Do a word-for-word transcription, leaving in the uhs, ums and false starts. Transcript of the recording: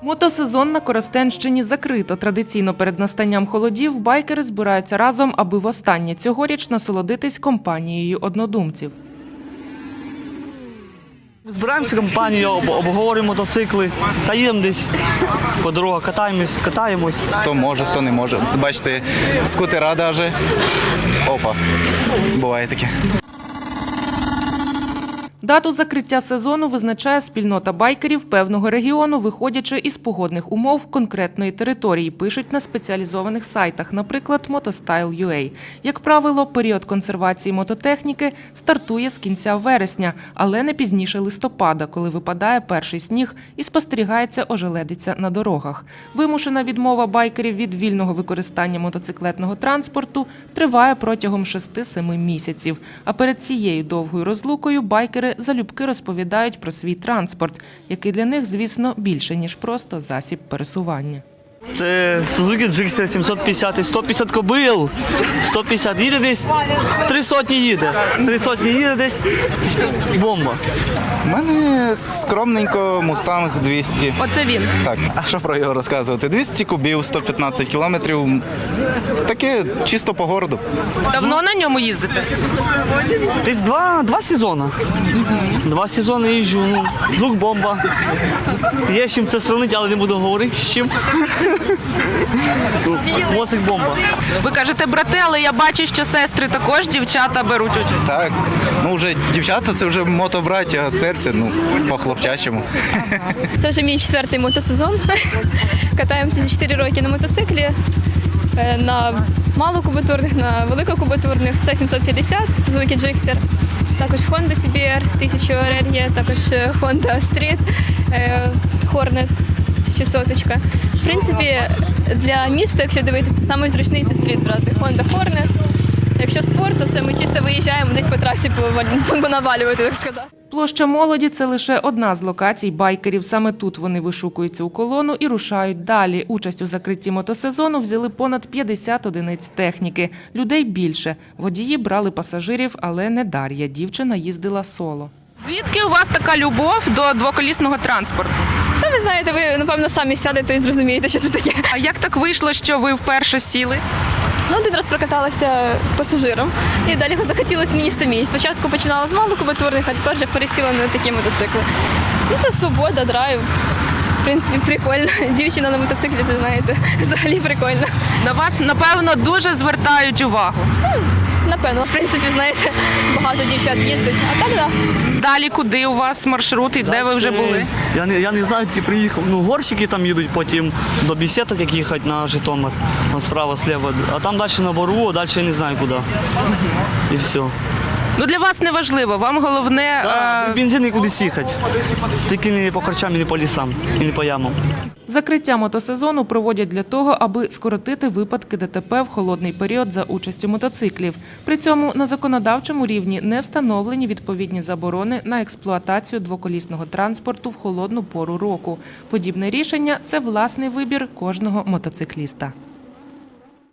Мотосезон на Коростенщині закрито. Традиційно перед настанням холодів байкери збираються разом, аби востаннє цьогоріч насолодитись компанією однодумців. Збираємося компанією, обговорюємо мотоцикли та їдемо десь по дорогах, катаємось, катаємось. Хто може, хто не може. Бачите, скутера навіть. Опа, буває таке. Дату закриття сезону визначає спільнота байкерів певного регіону, виходячи із погодних умов конкретної території, пишуть на спеціалізованих сайтах, наприклад, мотостайл крапка ю а. Як правило, період консервації мототехніки стартує з кінця вересня, але не пізніше листопада, коли випадає перший сніг і спостерігається ожеледиця на дорогах. Вимушена відмова байкерів від вільного використання мотоциклетного транспорту триває протягом шести-семи місяців. А перед цією довгою розлукою байкери залюбки розповідають про свій транспорт, який для них, звісно, більше, ніж просто засіб пересування. Це Suzuki Gixxer сімсот п'ятдесят, сто п'ятдесят кобил, сто п'ятдесят їде десь, три сотні їде, три сотні їде десь, бомба. У мене скромненько Мустанг двісті. Оце він. Так, а що про його розказувати? двісті кубів, сто п'ятнадцять кілометрів. Таке чисто по городу. Давно на ньому їздите? Десь два, два сезони. Два сезони їжджу, ну, звук бомба. Є з чим це сравнити, але не буду говорити з чим. Моцик бомба. Ви кажете брати, але я бачу, що сестри також, дівчата беруть участь. Так, ну вже дівчата, це вже мотобраття, а серце, ну, по-хлопчачому. Це вже мій четвертий мотосезон. Катаємося вже чотири роки на мотоциклі. На малокубатурних, на великокубатурних це сімсот п'ятдесят, Suzuki Gixxer. Також Honda сі бі ар тисяча ар ар є, також Honda Street, Hornet шістсот. В принципі, для міста, якщо дивитися, найзручніший зручний це стріт брати. Honda Hornet. Якщо спорт, то це ми чисто виїжджаємо десь по трасі понавалювати, так сказати. Площа Молоді – це лише одна з локацій байкерів. Саме тут вони вишукуються у колону і рушають далі. Участь у закритті мотосезону взяли понад п'ятдесят одиниць техніки. Людей більше. Водії брали пасажирів, але не Дар'я. Дівчина їздила соло. Звідки у вас така любов до двоколісного транспорту? Та ви знаєте, ви, напевно, самі сядете і зрозумієте, що це таке. А як так вийшло, що ви вперше сіли? Ну, один раз прокаталася пасажиром, і далі захотілося мені самій. Спочатку починала з малокубатурних, а тепер вже пересіла на такі мотоцикли. Ну, це свобода, драйв. В принципі, прикольно. Дівчина на мотоциклі, це, знаєте, взагалі прикольно. На вас, напевно, дуже звертають увагу. Напевно, в принципі, знаєте, багато дівчат їздить. А так, так. Далі куди у вас маршрут і де ви вже були? Я не, я не знаю, тільки приїхав. Ну, горщики там їдуть, потім до Бесідок, як їхати на Житомир. Там справа, слева. А там далі на Бору, а далі я не знаю куди. І все. Ну, для вас не важливо, вам головне… Да, бензин і кудись їхати. Тільки не по корчам, і не по лісам, і не по ямам. Закриття мотосезону проводять для того, аби скоротити випадки де те пе в холодний період за участю мотоциклів. При цьому на законодавчому рівні не встановлені відповідні заборони на експлуатацію двоколісного транспорту в холодну пору року. Подібне рішення – це власний вибір кожного мотоцикліста.